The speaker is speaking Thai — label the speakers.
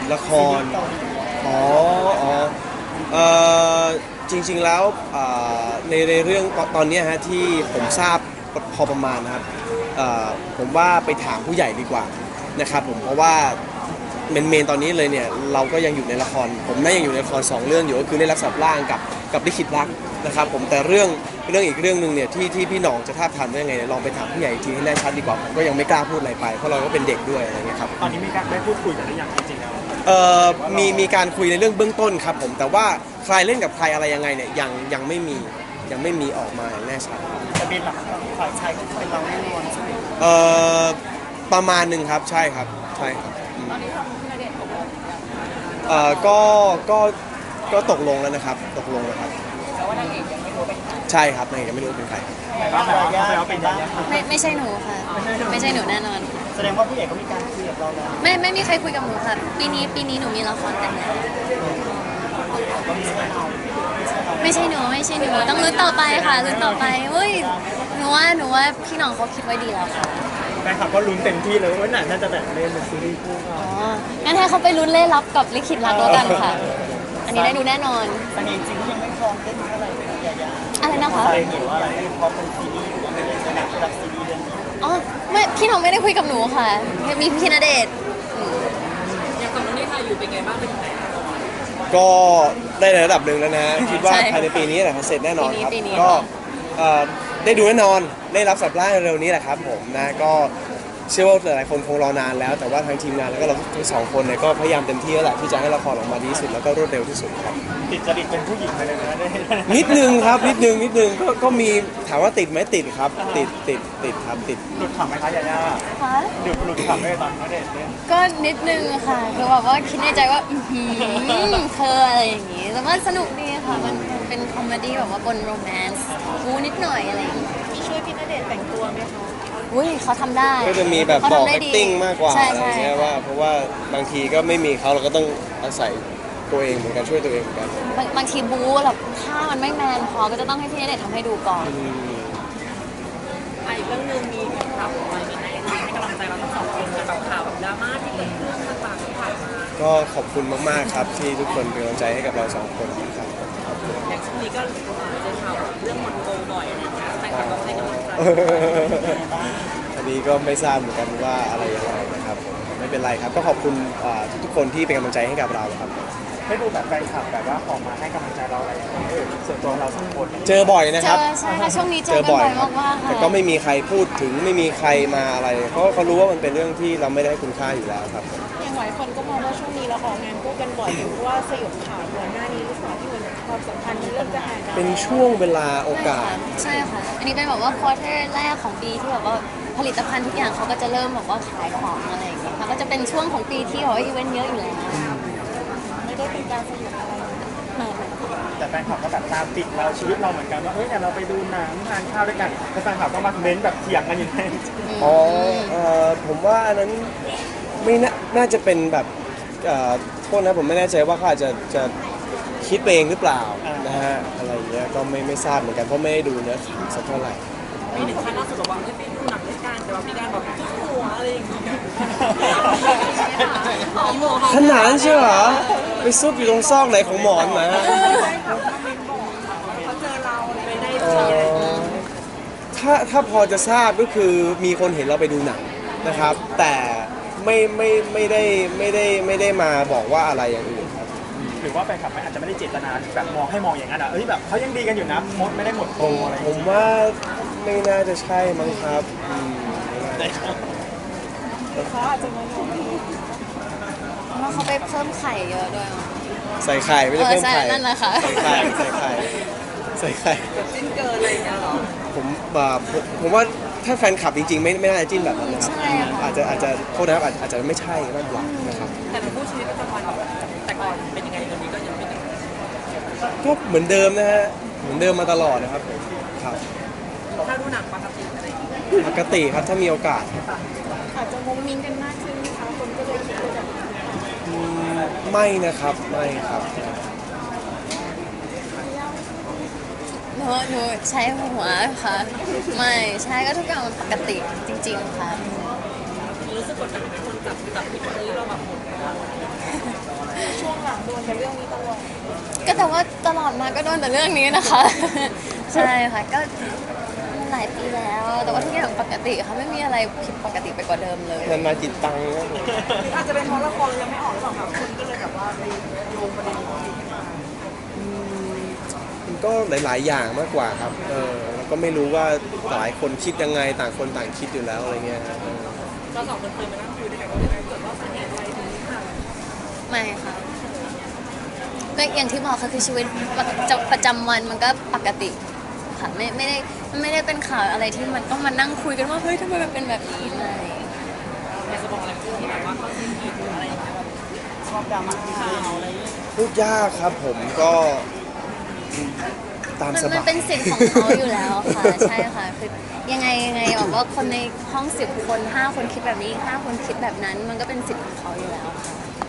Speaker 1: ละครอ๋ออ๋อเอ่อจริงๆแล้วในเรื่องตอนนี้ฮะที่ผมทราบพอประมาณนะครับเอ่อผมว่าไปถามผู้ใหญ่ดีกว่านะครับผมเพราะว่าเมนตอนนี้เลยเนี่ยเราก็ยังอยู่ในละครผมน่ายังอยู่ในละคร2เรื่องอยู่ก็คือได้รับสับร่างกับลิขิตรักนะครับผมแต่เรื่องอีกเรื่องหนึ่งเนี่ยที่พี่หน่องจะท้าบทามได้ยังไงเนี่ยลองไปถามผู้ใหญ่อีกทีให้แน่ชัดดีกว่าผมก็ยังไม่กล้าพูดอะไรไปเพราะเราก็เป็นเด็กด้วยอะไรเงี้ยครับ
Speaker 2: ตอนนี้มีการได้พูดคุยกันหรือยังจริงๆแล้ว
Speaker 1: เอ่อมีการคุยในเรื่องเบื้องต้นครับผมแต่ว่าใครเล่นกับใครอะไรยังไงเนี่ยยังไม่มีออกมาอย่างแน่ชัด
Speaker 2: จะเป็นหลักฝ่ายชายก็เป็นเราแน่นอนใช่ไหม
Speaker 1: เอ่อประมาณหนึ่งครับใช่ครับใช่ครับก็ก็ก็ตกลงแล้วนะครับตกลงแล้วครับแต่ว่านางเอกยังไม่รู้เป็นใครใช่ครับนางเอกยังไม่รู้เป็นใคร
Speaker 2: แต่ว่าเขาเป็นยัง
Speaker 3: ไม่ใช่หนูค่ะไม่ใช่หนูแน่นอน
Speaker 2: แสดงว่าพี่เอกก็มีการคุยกับเราแล้ว
Speaker 3: ไม่มีใครคุยกับหนูค่ะปีนี้หนูมีละครแต่งงานไม่ใช่หนูต้องลุ้นต่อไปค่ะลุ้นต่อไปเฮ้ยหนูว่าพี่น้องเขาคิดไว้ดีแล้วค่ะ
Speaker 2: แฟนคลับก็ลุ้นเต็มที่เลยว่าน่าจะแบบเล่นเป็นซีรีส์คู่กัน
Speaker 3: งั้นให้เขาไปลุ้นเล่นลับกับลิขิตรักแล้วกันค่ะอันนี้ได้ดูแน่นอน
Speaker 2: แต่จริงๆยังไม่พร้อมเล่นเท่าไหร่
Speaker 3: อะไรนะคะ
Speaker 2: หรือว่าอะไรไม่พร้อมเป็นซีรีส์หรืออะไรในหนังระดับซีรีส์เรื่องนี้
Speaker 3: อ๋อไม่พี่น้องไม่ได้คุยกับหนูค่ะมีพี่ณเดชน์
Speaker 4: อย่างกับน้องนี่ค่ะอยู่เป็นไงบ้างเป็นไง
Speaker 1: ก็ได้ในระดับหนึ่งแล้วนะคิดว่าภายในปีนี้แหละเสร็จแน่นอนครับก็ได้ดูแน่นอนได้รับสับร่างเร็วนี้แหละครับผมนะก็เชื่อว่าหลายคนคงรอนานแล้วแต่ว่าทางทีมงานแล้วก็เราทั้งสองคนเนี่ยก็พยายามเต็มที่แล้วแหละที่จะให้ละครออกมาดีที่สุดแล้วก็รวดเร็วที่สุดครับ
Speaker 2: ติดจริตเป็นผู้หญิงไปเลยนะ
Speaker 1: นิดนึงครับนิดนึงก็มีถามว่าติดไหมติดครับติดครับติด
Speaker 2: หลุดขำไหมคะยาย่า
Speaker 3: คะ
Speaker 2: หลุดขำไหมตอนเขาเด็ดเนี่ย
Speaker 3: ก็นิดนึงค่ะคือแบบว่าคิดในใจว่าเธออะไรอย่างงี้แต่ว่าสนุกดีค่ะมันเป็นคอมเมดี้แบบว่าบนโรแมนต์กูนิดหน่อยอะไรอย่างงี้
Speaker 4: ช่วยพี่ณเดชน์แต่งตัวไหมคะ
Speaker 3: อุ้ยเขาทำได้
Speaker 1: ก็จะมีแบบบอก acting มากกว่าอะไรเงี้ยว่าเพราะว่าบางทีก็ไม่มีเขาเราก็ต้องอาศัยตัวเองเหมือนกันช่วยตัวเองเหมือนกัน
Speaker 3: บางทีบู๊แบบถ้ามันไม่แมนพอก็จะต้องให้พี่ณเดชน์ทำให้ดูก่อน
Speaker 4: อีกเรื่องนึงมีข่าวอะไรมีให้กำลังใจเราทั้งสองคนกับข่าวแบบดราม่าที่เกิดขึ้นต่างๆที่ผ่านมา
Speaker 1: ก็ขอบคุณมากๆครับที่ทุกคนเป็นกำลังใจให้กับเราสองคนครับ
Speaker 4: อย่างช่วงนี้ก็เจอข่าวเรื่องหมดโกบ่อยอะไรอย่างเงี้ยแต่ก็ให้กำลังใจ
Speaker 1: อันนี้ก็ไม่ทราบเหมือนกันว่าอะไรยังไงนะครับไม่เป็นไรครับก็ขอบคุณทุกคนที่เป็นกำลังใจให้กับเราครับ
Speaker 2: ให้ดูแบบแฟนคลับแบบว่าออกมาให้กำลังใจเราอะไรอย่างเงี้ยส่วนตัวเราสองคน
Speaker 1: เจอบ่อยนะครับ
Speaker 3: ใช่ค่ะช่วงนี้เจอบ่อยมากๆค่ะ
Speaker 1: แต่ก็ไม่มีใครพูดถึงไม่มีใครมาอะไรเพราะเขารู้ว่ามันเป็นเรื่องที่เราไม่ได้ให้คุณค่าอยู่แล้วครับ
Speaker 4: อย่างหลายคนก็มองว่าช่วงนี้เราออกงานคู่กันบ่อยเพราะว่าสยบข่าวก่อนหน้านี้หรือเปล่าที่มันความสัมพันธ์เริ่มจะห่างกัน
Speaker 1: เป็นช่วงเวลาโอกาส
Speaker 3: ใช่ค่ะอันนี้เป็นแบบว่าควอเตอร์แรกของปีที่แบบว่าผลิตภัณฑ์ทุกอย่างเขาก็จะเริ่มแบบว่าขายของอะไรอย่างเงี้ยค่ะก็จะเป็นช่วงของปีที่แบบว่าอีเวนต์เยอะอยู่แล้ว
Speaker 4: ไม่ได้เป็นการสยบอะไร
Speaker 2: แต่แฟนคลับก็แบบตามติดเราชีวิตเราเหมือนกันว่าเฮ้ยเนี่ยเราไปดูหนังทานข้าวด้วยกันแต่แฟนคลับก็มาเม้นแบบเถียงกันอยู่ใน
Speaker 1: อ๋อผมว่าอันนั้นไม่น่าจะเป็นแบบโทษนะผมไม่แน่ใจว่าเขาอาจจะคิดไปเองหรือเปล่านะฮะอะไรอย่างเงี้ยก็ไม่ทราบเหมือนกันเพราะไม่ได้ดูเนื้อข่าวสักเท่าไหร่
Speaker 4: มีหนึ่งครั้งล่าสุดบอกว่าไม่ไปดูหนังด้วยกันแต่ว่ามีการแบบหัวอะไรอย่างเงี้ย
Speaker 1: ขนาดนั้นใช่เหรอไปซุกอยู่ตรงซอกไหนของหมอนมาถ้าพอจะทราบก็คือมีคนเห็นเราไปดูหนังนะครับแต่ไม่ได้มาบอกว่าอะไรอย่างอื่นครับ
Speaker 2: หรือว่าแฟนคลับอาจจะไม่ได้เจตนาแบบมองให้มองอย่างนั้นเอ้ยแบบเขายังดีกันอยู่นะมดไม่ได้หมดโตอะไร
Speaker 1: ผมว่าไม่น่าจะใช่มั้งครับ
Speaker 4: เขาอาจจะมอง
Speaker 3: ว่าเขาไปเพิ่มไข่เยอะด้วย
Speaker 1: ใส่ไข่ไม่ได้เพิ่มไข่
Speaker 3: นั่นแหละค่ะ
Speaker 1: ใส่ไข่
Speaker 4: จิ้นเกินอะไรอย่างเงี้ยหรอ
Speaker 1: ผมว่าถ้าแฟนคลับจริงๆไม่น่าจะจิ้นแบบนั้นนะครับอาจจะโทษนะครับอาจจะไม่ใช่มากกว่านะครับ
Speaker 4: แต่ในผู้ชีวิตประจำวันแต่ก่อนเป็นยังไงตอนนี้ก็ยังไม่ได้
Speaker 1: ก็เหมือนเดิมนะฮะเหมือนเดิมมาตลอดนะครับครับ
Speaker 4: ถ้าดูหนังปกติอะไรอย่างเงี้ย
Speaker 1: ปกติครับถ้ามีโอกาส
Speaker 4: อาจจะมุ้งมิ้งกันมากขึ้นนะคะคนก็เลยคิดว่าจะ
Speaker 1: ไม่นะครับไม่ครับ
Speaker 3: หนูใช้หัวค่ะไม่ใช่ก็ทุกอย่างมันปกติจริงๆค่ะ
Speaker 4: เรู้สึกกดดันไหมคนจับผิดว่าเราแบบหมดช่วงหลังโดนแต่เรื่องนี้ตลอด
Speaker 3: ก็แต่ว่าตลอดมาก็โดนแต่เรื่องนี้นะคะ ใช่ค่ะก็หลายปีแล้ว แต่ว่าทุกอย่างปกติค่ะไม่มีอะไรผิดปกติไปกว่าเดิมเลย
Speaker 1: มันมาจิตตังค์ครับผม
Speaker 4: อาจจะเป็นเพราะละครยังไม่ออกหรือเปล่าแบบคนก็เลยแบบว่าไปโยงประเด็นนี้ขึ้นมา
Speaker 1: มันก็หลาย ๆ อย่างมากกว่าครับแล้วก็ไม่รู้ว่าหลายคนคิดยังไงต่างคนต่างคิดอยู่แล้วอะไรเงี้ยครับ
Speaker 4: เราสองคนเคยมานั่งคุยด้วยกันว่าเกิดว่าสาเหตุอะไรถึงนี้ค่ะ
Speaker 3: ไม่ค่ะก็อย่างที่บอกค่ะคือชีวิตประจำวันมันก็ปกติค่ะไม่ได้เป็นข่าวอะไรที่มันต้องมานั่งคุยกันว่าเฮ้ยทำไมมันเป็นแบบนี้ไม่
Speaker 4: อยากจะบอกอะไรที่แบบว่าเขาซีนอะไรอย่างเงี้ยแบบชอบดราม่าข่าวอะไรอย่างเงี้ย
Speaker 1: พูดยากครับผมก็ตามส
Speaker 3: มัน
Speaker 1: บาย
Speaker 3: เป็นสิทธิ์ของเขาอยู่แล้วค่ะ ใช่ค่ะคือยังไงบอกว่าคนในห้อง10 คน5 คนคิดแบบนี้อีก5 คนคิดแบบนั้น มันก็เป็นสิทธิ์ของเขาอยู่แล้วค่ะ